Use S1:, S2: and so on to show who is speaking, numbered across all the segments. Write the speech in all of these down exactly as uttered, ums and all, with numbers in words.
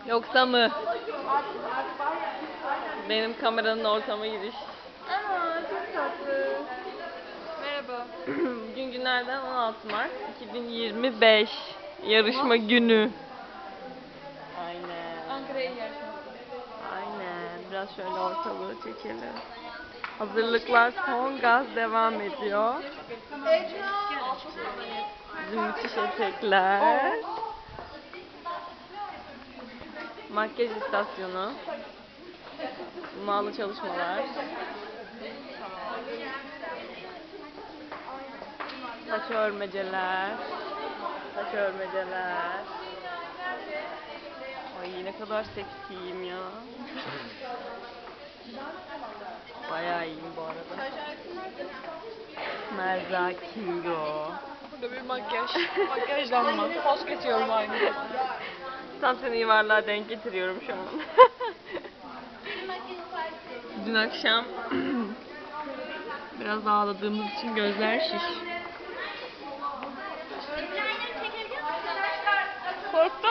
S1: Yoksa mı? Benim kameranın ortama giriş.
S2: Ama çok tatlı. Merhaba.
S1: Bugün günlerden on altı Mart iki bin yirmi beş. Yarışma günü. Aynen.
S2: Ankara'ya yarışması.
S1: Aynen. Biraz şöyle ortalığı çekelim. Hazırlıklar son gaz devam ediyor. Bizim müthiş etekler. Makyaj istasyonu. Hummalı çalışmalar. Saç örmeceler. Saç örmeceler. Ay ne kadar seksiyim ya. Bayağı iyiyim bu arada. Merza Kingo.
S2: Burada bir makyaj. Makyajlanma. Poz kesiyorum aynı zamanda.
S1: Tam seni yuvarlığa denk getiriyorum şu an. Dün akşam biraz ağladığımız için gözler şiş. Korktum.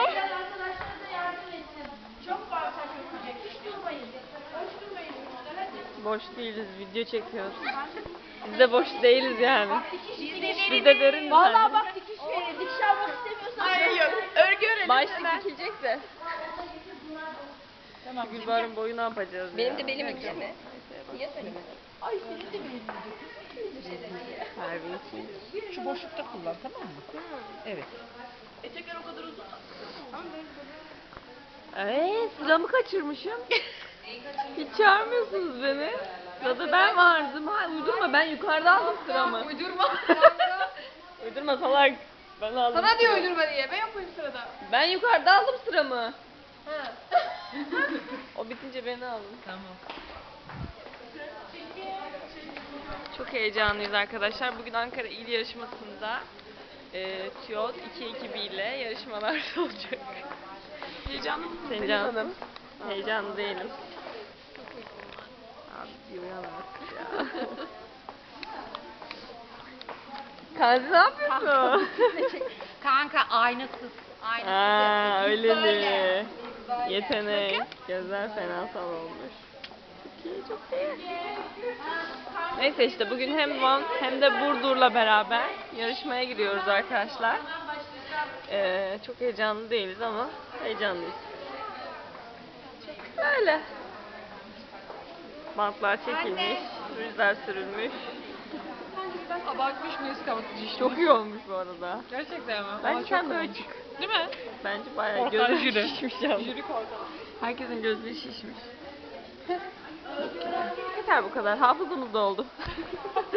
S1: Boş değiliz, video çekiyoruz. Biz de boş değiliz yani. Biz de derin.
S2: Valla bak dikiş verir. Dikiş almak istemiyorsan. Hayır yok. Örgü örelim.
S1: Başlık dikilecek de. Tamam. Gülbar'ın boyu ne yapacağız
S3: Benim
S1: ya?
S3: de belim ince mi? Niye söylemedin?
S2: Ay senin de benim.
S1: Harbi.
S4: Şu boşlukta kullan, tamam mı? Evet.
S2: Etekler o kadar uzun.
S1: Eee sıramı kaçırmışım. Hiç çağırmıyorsunuz beni. Sırada ben vardım. Ha, uydurma, ben yukarıda aldım sıramı.
S2: Uydurma.
S1: Uydurma salak. Ben aldım.
S2: Sana diyor
S1: sıramı.
S2: uydurma diye. Ben yapayım sırada.
S1: Ben yukarıda aldım sıramı.
S2: Ha.
S1: O bitince beni alın.
S4: Tamam.
S1: Çok heyecanlıyız arkadaşlar. Bugün Ankara İl Yarışması'nda e, TÜYOD iki ekibiyle yarışmalar olacak.
S2: Heyecanlı mısın
S1: Heyecan,
S2: Hanım?
S1: heyecanlı değilim. Abi bir uyan artık ya. Kanzi ne yapıyorsun?
S3: Kanka aynasız. Aynasız.
S1: Aa öyle mi?
S3: Böyle.
S1: Yetenek. Gözler fenasal olmuş. Çok iyi, çok iyi. Neyse işte bugün hem Van hem de Burdur'la beraber yarışmaya giriyoruz arkadaşlar. Ee, çok heyecanlı değiliz ama heyecanlıyız. Öyle. Bantlar çekilmiş, rüzgar sürülmüş.
S2: Abartmış mıyız kapatıcı işte?
S1: Çok iyi olmuş bu arada.
S2: Gerçekten mi?
S1: Bence
S2: Ama
S1: sen
S2: çok
S1: böyle
S2: olmuş.
S1: çık.
S2: Değil mi?
S1: Bence bayağı
S2: Korkan
S1: gözü
S2: jüri.
S1: şişmiş ya.
S2: Jüri korkan.
S1: Herkesin gözleri şişmiş. Yeter bu kadar. Hafızamız doldu.